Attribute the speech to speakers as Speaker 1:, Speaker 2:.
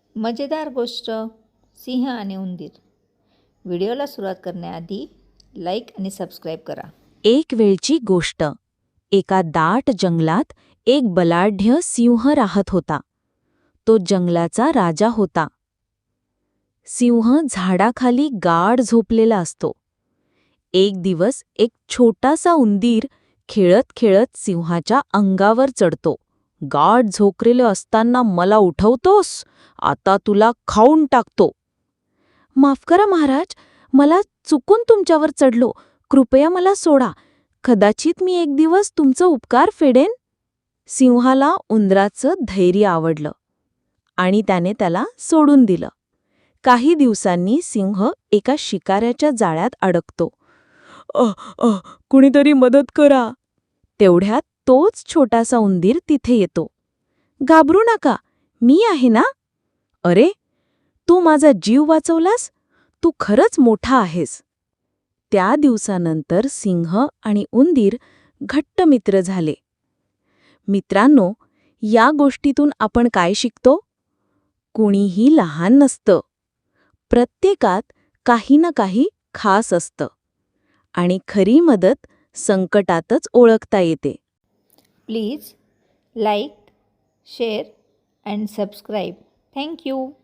Speaker 1: मजेदार गोष्ट सिंह आणि उंदीर. व्हिडिओला सुरुवात करण्याआधी लाईक आणि सबस्क्राईब करा.
Speaker 2: एक वेळची गोष्ट. एका दाट जंगलात एक बलाढ्य सिंह राहत होता. तो जंगलाचा राजा होता. सिंह झाडाखाली गाढ झोपलेला असतो. एक दिवस एक छोटासा उंदीर खेळत खेळत सिंहाच्या अंगावर चढतो. गाढ झोपलेलं असताना मला उठवतोस? आता तुला खाऊन टाकतो. माफ करा महाराज, मला चुकून तुमच्यावर चढलो. कृपया मला सोडा. कदाचित मी एक दिवस तुमचं उपकार फेडेन. सिंहाला उंदराचं धैर्य आवडलं आणि त्याने त्याला सोडून दिलं. काही दिवसांनी सिंह एका शिकाऱ्याच्या जाळ्यात अडकतो. कुणीतरी मदत करा. तेवढ्यात तोच छोटासा उंदीर तिथे येतो. घाबरू नका, मी आहे ना. अरे, तू माझा जीव वाचवलास. तू खरंच मोठा आहेस. त्या दिवसानंतर सिंह आणि उंदीर घट्ट मित्र झाले. मित्रांनो, या गोष्टीतून आपण काय शिकतो? कुणीही लहान नसतं. प्रत्येकात काही ना काही खास असतं आणि खरी मदत संकटातच ओळखता येते.
Speaker 1: Please like, share and subscribe. Thank you.